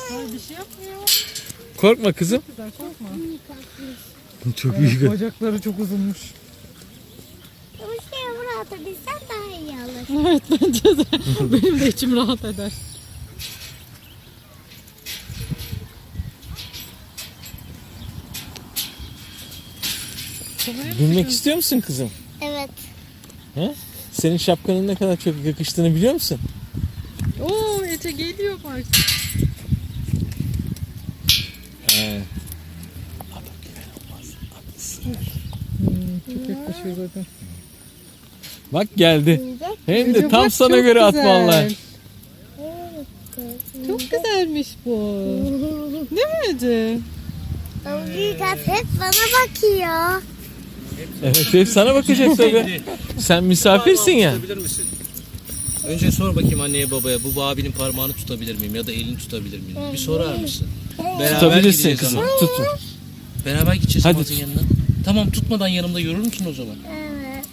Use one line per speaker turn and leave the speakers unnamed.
Ay, bir şey yapmıyor.
Korkma kızım.
Güzel, korkma.
Çok iyi.
Bacakları çok uzunmuş.
Bu şeye buraya atabilsen daha iyi olur.
Evet, bence de. Benim de içim rahat eder.
Binmek istiyor musun kızım?
Evet.
He? Senin şapkanın ne kadar çok yakıştığını biliyor musun?
Oo, Ece geliyor bak.
He.
Çok yaklaşıyor zaten.
Bak geldi. Hem de
Ece,
tam
bak,
sana
çok
göre
güzel.
atmalılar.
Çok güzelmiş bu. Değil mi Ece?
O büyük at hep bana bakıyor.
Evet, hep sana bakacak tabii. Sen misafirsin ya.
Tutabilir misin? Önce sor bakayım anneye babaya, bu abinin parmağını tutabilir miyim ya da elini tutabilir miyim? Bir sorar mısın? Beraber
Tutabilirsin
gideceğiz
kızım.
ama.
Tut.
Beraber gideceğiz
Hadi
Hamaz'ın yanına. Tamam, tutmadan yanımda yürür müsün o zaman?